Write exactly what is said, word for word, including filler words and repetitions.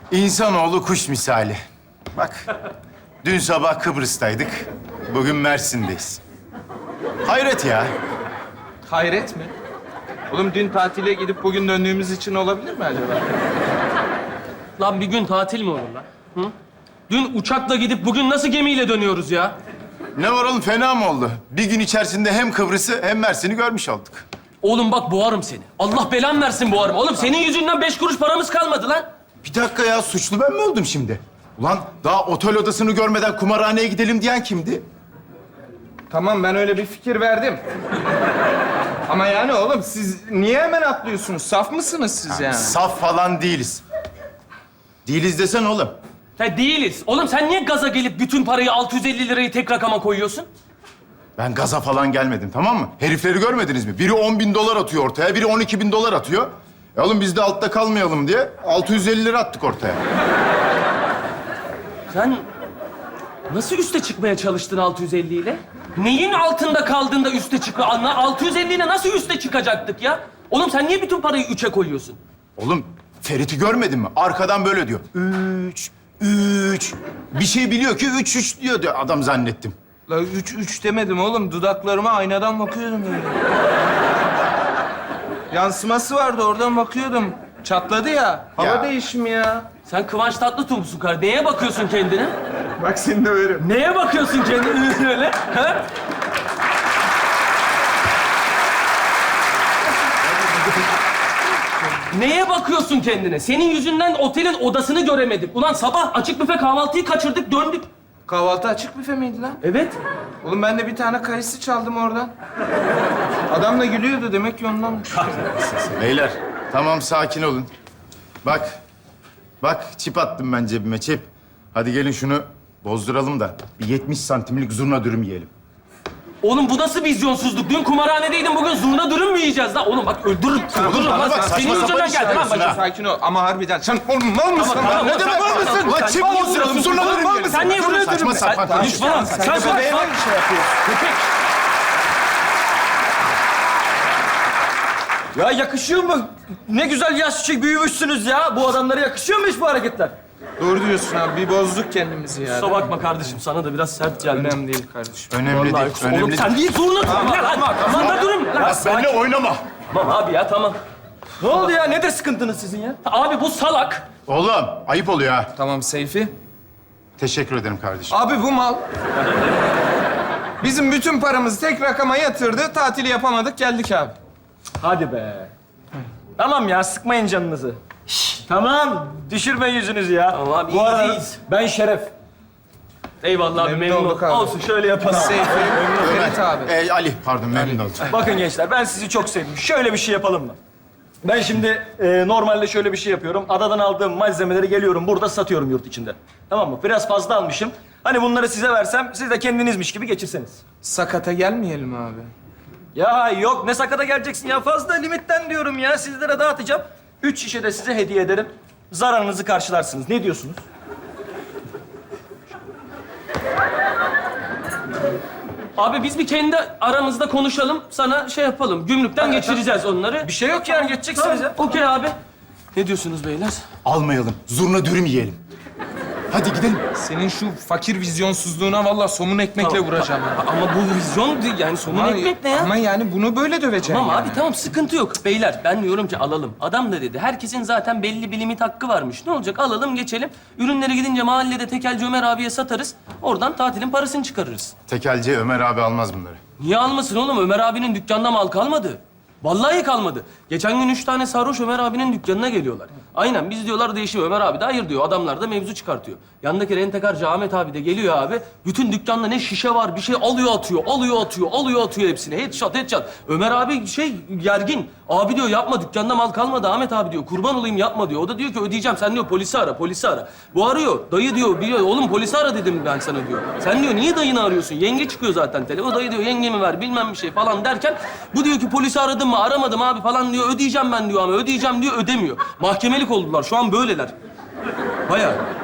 İnsanoğlu kuş misali. Bak, dün sabah Kıbrıs'taydık, bugün Mersin'deyiz. Hayret ya. Hayret mi? Oğlum dün tatile gidip bugün döndüğümüz için olabilir mi acaba? Lan bir gün tatil mi olur lan? Hı? Dün uçakla gidip bugün nasıl gemiyle dönüyoruz ya? Ne var oğlum, fena mı oldu? Bir gün içerisinde hem Kıbrıs'ı hem Mersin'i görmüş olduk. Oğlum bak boğarım seni. Allah belan versin boğarım. Oğlum senin yüzünden beş kuruş paramız kalmadı lan. Bir dakika ya, suçlu ben mi oldum şimdi? Ulan daha otel odasını görmeden kumarhaneye gidelim diyen kimdi? Tamam, ben öyle bir fikir verdim. Ama yani oğlum siz niye hemen atlıyorsunuz? Saf mısınız siz yani? Saf falan değiliz. Değiliz desen oğlum. Ha değiliz. Oğlum sen niye gaza gelip bütün parayı altı yüz elli lirayı tek rakama koyuyorsun? Ben gaza falan gelmedim, tamam mı? Herifleri görmediniz mi? Biri on bin dolar atıyor ortaya, biri on iki bin dolar atıyor. E oğlum biz de altta kalmayalım diye altı yüz elli lira attık ortaya. Sen nasıl üste çıkmaya çalıştın altı yüz elli ile? Neyin altında kaldığında üste çıkma? Anla, altı yüz elli ile nasıl üste çıkacaktık ya? Oğlum sen niye bütün parayı üçe koyuyorsun? Oğlum Ferit'i görmedin mi? Arkadan böyle diyor. Üç, üç. Bir şey biliyor ki üç, üç diyor diyor adam zannettim. La üç üç demedim oğlum. Dudaklarıma aynadan bakıyordum öyle. Yansıması vardı, oradan bakıyordum. Çatladı ya. Hava Ya. değişimi ya. Sen Kıvanç Tatlıtuğ musun kardeşim? Neye bakıyorsun kendine? Bak seni de veririm. Neye bakıyorsun kendine öyle? Ha? Neye bakıyorsun kendine? Senin yüzünden otelin odasını göremedik. Ulan sabah açık büfe kahvaltıyı kaçırdık, döndük. Kahvaltı açık büfe miydi lan? Evet. Oğlum ben de bir tane kayısı çaldım oradan. Adam da gülüyordu, demek ki ondan. Beyler tamam, sakin olun. Bak, bak çip attım ben cebime, çip. Hadi gelin şunu bozduralım da bir yetmiş santimlik zurna dürüm yiyelim. Oğlum bu nasıl vizyonsuzluk? Dün kumarhanedeydin, bugün zurna dürüm mü yiyeceğiz lan? Oğlum bak öldürürüm, öldürürüm bana lan. bak, Senin saçma yüzünden sapan geldi lan işler başım. Sakin ol ama harbiden sen oğlum mal mısın? Tamam, tamam, lan? Ne demek tamam, var mısın? tamam, Ulan sen- çip sen- bozduralım, zurna dürüm yiyelim. Sen niye vuruyorsun? Saçma sapan konuşma. Düşman, sen sen sen bebeğime bir şey yapıyorsun. Köpek. Ya yakışıyor mu? Ne güzel yaşça büyümüşsünüz ya. Bu adamlara yakışıyor mu hiç bu hareketler? Doğru diyorsun abi, bir bozduk kendimizi ya. Kusura bakma kardeşim, sana da biraz sert geldi. Önemli değil kardeşim. Önemli Vallahi değil, kusura- önemli Oğlum değil. sen değil zurna dürüm ne lan? Zurna dürüm lan. Bak benimle oynama. Tamam abi ya, tamam. Ne oldu ya? Nedir sıkıntınız sizin ya? Abi bu salak. Oğlum ayıp oluyor ha. Tamam Seyfi. Teşekkür ederim kardeşim. Abi bu mal bizim bütün paramızı tek rakama yatırdı. Tatili yapamadık, geldik abi. Hadi be. Tamam ya, sıkmayın canınızı. Şşş, tamam, düşürme yüzünüzü ya. Tamam abi, Bu arada iyiyiz. ben Şeref. Eyvallah abi, Memnun memnun olduk oldum. abi. Olsun, şöyle yapalım. Seyfi, Ferit abi. Ee, Ali, pardon memnun oldum. Bakın gençler, ben sizi çok sevdim. Şöyle bir şey yapalım mı? Ben şimdi e, normalde şöyle bir şey yapıyorum. Adadan aldığım malzemeleri geliyorum, burada satıyorum yurt içinde. Tamam mı? Biraz fazla almışım. Hani bunları size versem, siz de kendinizmiş gibi geçirseniz. Sakata gelmeyelim abi. Ya yok, ne sakata geleceksin ya. Fazla limitten diyorum ya. Sizlere dağıtacağım. Üç şişe de size hediye ederim. Zararınızı karşılarsınız. Ne diyorsunuz? Abi biz bir kendi aramızda konuşalım, sana şey yapalım. Gümrükten geçireceğiz onları. Bir şey yok yani, geçeceksiniz ya. Okey abi. Ne diyorsunuz beyler? Almayalım, zurna dürüm yiyelim. Hadi gidelim. Senin şu fakir vizyonsuzluğuna vallahi somun ekmekle Tamam. vuracağım. Ha, Ama bu vizyon değil yani, somun Ama- ekmek ne ya? Ama yani bunu böyle döveceğim Tamam yani. abi, tamam, sıkıntı yok. Beyler ben diyorum ki alalım. Adam da dedi, herkesin zaten belli bir limit hakkı varmış. Ne olacak, alalım geçelim. Ürünleri gidince mahallede tekelci Ömer abiye satarız. Oradan tatilin parasını çıkarırız. Tekelci Ömer abi almaz bunları. Niye almasın oğlum? Ömer abinin dükkanında mal kalmadı. Vallahi kalmadı. Geçen gün üç tane sarhoş Ömer abinin dükkanına geliyorlar. Aynen, biz diyorlar değişiyor. Ömer abi de hayır diyor. Adamlar da mevzu çıkartıyor. Yandaki rentekarcı Ahmet abi de geliyor abi. Bütün dükkanda ne şişe var, bir şey alıyor atıyor, alıyor atıyor, alıyor atıyor hepsini. Headshot, headshot. Ömer abi şey gergin. Abi diyor yapma, dükkanda mal kalmadı Ahmet abi diyor. Kurban olayım yapma diyor. O da diyor ki ödeyeceğim. Sen diyor polisi ara, polisi ara. Bu arıyor. Dayı diyor, biliyor. Oğlum polisi ara dedim ben sana diyor. Sen diyor niye dayını arıyorsun? Yenge çıkıyor zaten telefon. O dayı diyor yengemi ver bilmem bir şey falan derken bu diyor ki polisi aradım mı? Aramadım abi falan diyor. Ödeyeceğim ben diyor ama ödeyeceğim diyor, ödemiyor. Mahkemelik oldular. Şu an böyleler. Bayağı.